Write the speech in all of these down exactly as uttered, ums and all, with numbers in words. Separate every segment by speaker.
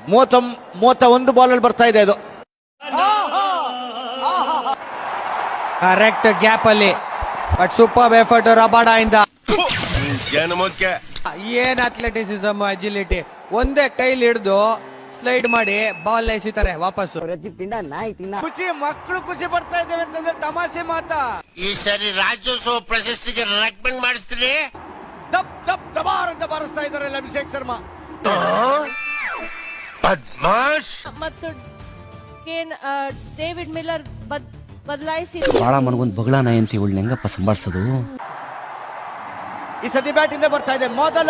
Speaker 1: ಮೂವತ್ತ ಮೂವತ್ತ ಒಂದು ಬಾಲ್ ಅಲ್ಲಿ ಬರ್ತಾ ಇದೆ ಇದು.
Speaker 2: ಕರೆಕ್ಟ್ ಗ್ಯಾಪ್ ಅಲ್ಲಿ ಬಟ್ ಸೂಪರ್ ಎಫರ್ಟ್ ರಬಾಡ ಇಂದ. ಏನ್ ಅಥ್ಲೆಟಿಸಿಸಮ್, ಅಜಿಲಿಟಿ, ಒಂದೇ ಕೈಲಿ ಹಿಡಿದು ಸ್ಲೈಡ್ ಮಾಡಿ ಬಾಲ್ ಎಸಿತಾರೆ ವಾಪಸ್ಸು. ಖುಷಿ, ಮಕ್ಕಳು ಖುಷಿ ಪಡ್ತಾ ಇದ್ದೇವೆ ಅಂತಂದ್ರೆ ತಮಾಷೆ ಮಾತಾ.
Speaker 3: ಈ ಸರಿ ರಾಜ್ಯೋತ್ಸವ ಪ್ರಶಸ್ತಿಗೆ ರೆಕಮೆಂಡ್ ಮಾಡಿಸ್ತೀರಿ.
Speaker 1: ದಪ್ ದಪ್ ದಬಾರ್ ಅಂತ ಬಾರಿಸ್ತಾ ಇದ್ದಾರೆ ಅಭಿಷೇಕ್ ಶರ್ಮಾ.
Speaker 4: ಮತ್ತು ಡೇವಿಡ್ ಮಿಲ್ಲರ್ ಬದಲಾಯಿಸಿ
Speaker 5: ಬಾಳ ಮನಗೊಂದು ಬಗಳ ನಾಯಿ ಅಂತ ಇವಳು ಹೆಂಗಪ್ಪ ಸಂಭಾಳಿಸೋದು.
Speaker 1: ಈ ಸತಿ ಬ್ಯಾಟ್ ಇಂದ ಬರ್ತಾ ಇದೆ ಮೊದಲ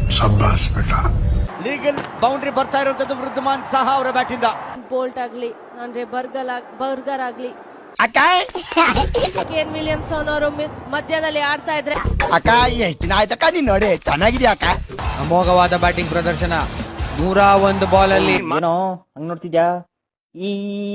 Speaker 1: ಲೀಗಲ್ ಬೌಂಡ್ರಿ ಬರ್ತಾ ಇರುವಂತದ್ದು ವೃದ್ಧಮಾನ್ ಸಹ ಅವರ ಬ್ಯಾಟ್ ಇಂದ.
Speaker 4: ಬೋಲ್ಟ್ ಆಗ್ಲಿ ಅಂದ್ರೆ ಬರ್ಗಲ್ ಬರ್ಗರ್ ಆಗ್ಲಿ ಕೇನ್ ವಿಲಿಯಮ್ಸನ್ ಅವರು ಮಧ್ಯದಲ್ಲಿ ಆಡ್ತಾ ಇದ್ರೆ
Speaker 5: ಅಕ್ಕ ಎಷ್ಟು ದಿನ ಆಯ್ತಕ್ಕ ನೀನ್ ನೋಡಿ ಚೆನ್ನಾಗಿದ್ಯಾ ಅಕ್ಕ.
Speaker 2: ಅಮೋಘವಾದ ಬ್ಯಾಟಿಂಗ್ ಪ್ರದರ್ಶನ. ನೂರ ಒಂದು ಬಾಲ್ ಅಲ್ಲಿ
Speaker 6: ಏನೋ ಹಂಗ್ ನೋಡ್ತಿದ್ಯಾ? ಈ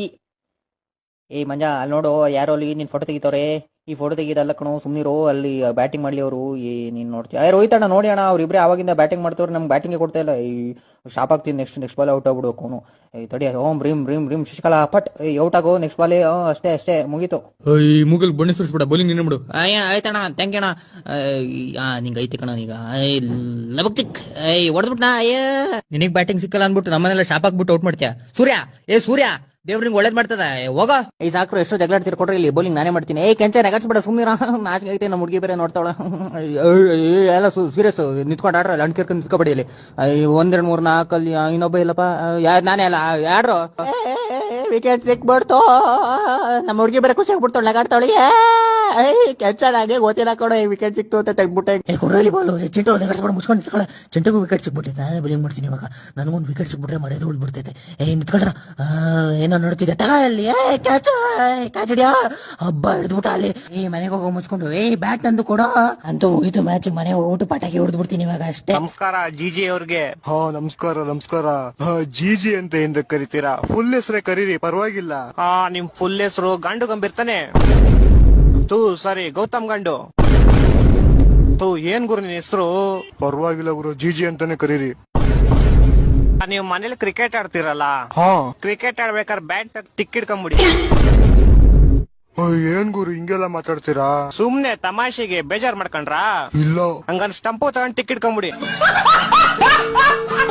Speaker 6: ಏ ಮಂಜ ಅಲ್ಲಿ ನೋಡು, ಯಾರೋ ಅಲ್ಲಿ ನಿನ್ ಫೋಟೋ ತೆಗಿತವ್ರೆ. ಈ ಫೋಟೋ ತೆಗಿದಲ್ಲ ಕಣೋ, ಸುಮ್ನಿರೋ. ಅಲ್ಲಿ ಬ್ಯಾಟಿಂಗ್ ಮಾಡ್ಲಿ ಅವರು. ಏ ನೀನ್ ನೋಡ್ತೀಯ? ಏ ರೋಹಿತ್ ಅಣ್ಣ ನೋಡಿ ಅಣ್ಣ, ಅವ್ರಿಬ್ರೆ ಆವಾಗಿಂದ ಬ್ಯಾಟಿಂಗ್ ಮಾಡ್ತವ್ರೆ, ನಮ್ಗೆ ಬ್ಯಾಟಿಂಗ್ ಕೊಡ್ತಾ ಇಲ್ಲ. ಈ ಶಾಪ್ ಆಗ್ತೀನಿ, ನೆಕ್ಸ್ಟ್ ನೆಕ್ಸ್ಟ್ ಬಾಲ್ ಔಟ್ ಆಗ್ಬಿಡ್ಬೇಕು ಅವನು. ಏ ತಡಿ, ಓಂ ರೀಮ್ ರೀಮ್ ರೀಮ್ ಶಶಿಕಲಾ ಪಟ್ ಔಟ್ ಆಗೋ, ನೆಕ್ಸ್ಟ್ ಬಾಲ್ ಅಷ್ಟೇ ಅಷ್ಟೇ ಮುಗೀತು.
Speaker 7: ಈ ಮೂಗಲ್ ಬಣ್ಣಿ ಸುರಿಸ್ಬಿಡ, ಬೌಲಿಂಗ್ ನಿನ್ನ ಬಿಡು.
Speaker 6: ಆಯ್ತಣ್ಣ, ಥ್ಯಾಂಕ್ ಯು ಅಣ್ಣ. ನಿಂಗೆ ಐತಿ ಕಣ ಈಗ ಲಬಕ್ತಿಕ್ ಹೊಡೆದ್ಬಿಟ್ನಾ. ನಿನಗ್ ಬ್ಯಾಟಿಂಗ್ ಸಿಕ್ಕಲ್ಲ ಅನ್ಬಿಟ್ಟು ನಮ್ಮನೆಲ್ಲ ಶಾಪ್ ಹಾಕ್ಬಿಟ್ಟು ಔಟ್ ಮಾಡ್ತೀಯ. ಸೂರ್ಯ, ಏ ಸೂರ್ಯ, ದೇವ್ರಿಗೆ ಒಳ್ಳೇದ್ ಮಾಡ್ತದ ಹೋಗ. ಈ ಸಾಕ್ರು ಎಷ್ಟೋ ಜಗಳಾಡ್ತಿರ್ ಕೊಡ್ರಿ, ಇಲ್ಲಿ ಬೌಲಿಂಗ್ ನಾನೇ ಮಾಡ್ತೀನಿ. ಏ ಕೆಂಚ ನೆಗಾಡ್ಸ್ಬಿಡ ಸುಮ್ಮನಿರ, ನಾಚಿಕೆ ಐತೆ. ನಮ್ಮ ಹುಡುಗಿ ಬೇರೆ ನೋಡ್ತಾವಳ. ಎಲ್ಲ ಸೀರಿಯಸ್ ನಿಂತ್ಕೊಂಡು ಆಡ್ರ, ಲಂಡ್ ಕೇರ್ಕೊಂಡು ನಿಂತ್ಕೊಬೇಡಿ ಇಲ್ಲಿ. ಒಂದೆರಡು ಮೂರ್ ನಾಲ್ಕಲ್ಲಿ ಇನ್ನೊಬ್ಬ ಇಲ್ಲಪ್ಪ, ಯಾರು ನಾನೇ ಅಲ್ಲ ಯಾರು. ವಿಕೆಟ್ ಸಿಕ್ಬಿಡ್ತು, ನಮ್ಮ ಹುಡುಗಿ ಬೇರೆ ಖುಷಿ ಆಗ್ಬಿಡ್ತಾಳೆ, ನಗಾಡ್ತಾವಳಿ. ಕೆಂಚಾಗೆ ಗೊತ್ತಿಲ್ಲ ಕೊಡ, ವಿಕೆಟ್ ಸಿಕ್ತು ಅಂತ ತೆಗ್ಬಿಟ್ಟೆ. ಕೊಡ್ರಲ್ಲಿ ಬಾಲು ಚಿಂಟು ನೆಗಡ್ಸ್ಬಿಡ, ಮುಚ್ಕೊಂಡು ನಿಂತ್ಕೊಳ್ಳ. ಚಿಂಟುಗೂ ವಿಕೆಟ್ ಸಿಕ್ಬಿಟ್ಟೈತೆ, ನಾನೇ ಬೌಲಿಂಗ್ ಮಾಡ್ತೀನಿ ಇವಾಗ. ನನಗೊಂದು ವಿಕೆಟ್ ಸಿಕ್ಬಿಟ್ರೆ ಮರ್ಯಾದೆ ಉಳ್ಬಿಡ್ತೈತೆ. ಏ ನಿಂತ್ಕೊಳ್ರ, ಏನೋ ನೋಡ್ತಿದ್ದೆ ತಗ ಅಲ್ಲಿ. ಏ ಕ್ಯಾಚ್ ಕ್ಯಾಚ್ ಹಿಡಿಯಾ, ಹಬ್ಬ ಹಿಡಿದ್ಬಿಟ್ಟ ಅಲ್ಲಿ. ಏ ಮನೆಗೆ ಹೋಗೋ ಮುಚ್ಕೊಂಡು, ಏ ಬ್ಯಾಟ್ ತಂದು ಕೊಡ ಅಂತೂ ಮುಗಿತು ಮ್ಯಾಚ್. ಮನೆ ಹೋಗ್ಬಿಟ್ಟು ಪಟಾಕಿ ಹೊಡೆದ್ ಬಿಡ್ತೀನಿ ಇವಾಗ ಅಷ್ಟೇ.
Speaker 2: ನಮಸ್ಕಾರ ಜಿಜಿ ಅವ್ರಿಗೆ.
Speaker 8: ಹಾ ನಮಸ್ಕಾರ ನಮಸ್ಕಾರ. ಜಿಜಿ ಅಂತ ಎಂದ ಕರಿತೀರಾ? ಫುಲ್ ಹೆಸರೇ ಕರೀರಿ, ಪರವಾಗಿಲ್ಲ.
Speaker 2: ಹಾ, ನಿಮ್ ಫುಲ್ ಹೆಸರು ಗಂಡು ಗಂಬಿರ್ತಾನೆ. ತೂ ಸರಿ, ಗೌತಮ್ ಗಂಡು. ತೂ ಏನ್ ಗುರು ನಿನ್ ಹೆಸರು?
Speaker 8: ಪರವಾಗಿಲ್ಲ ಗುರು, ಜಿಜಿ ಅಂತಾನೆ ಕರೀರಿ.
Speaker 2: ನೀವು ಮನೇಲಿ ಕ್ರಿಕೆಟ್ ಆಡ್ತಿರಲ್ಲ,
Speaker 8: ಹಾ
Speaker 2: ಕ್ರಿಕೆಟ್ ಆಡ್ಬೇಕಾದ್ರೆ ಬ್ಯಾಟ್ ತಿಕ್ಕಿಡ್ಕೊಂಬಿಡಿ.
Speaker 8: ಏನ್ ಗುರು ಹಿಂಗೆಲ್ಲ ಮಾತಾಡ್ತೀರಾ?
Speaker 2: ಸುಮ್ನೆ ತಮಾಷೆಗೆ ಬೇಜಾರ್ ಮಾಡ್ಕೊಂಡ್ರಾ?
Speaker 8: ಇಲ್ಲ,
Speaker 2: ಹಂಗನ್ ಸ್ಟಂಪು ತಗೊಂಡ್ ಟಿಕ್ಕಿಡ್ಕೊಂಬಿಡಿ.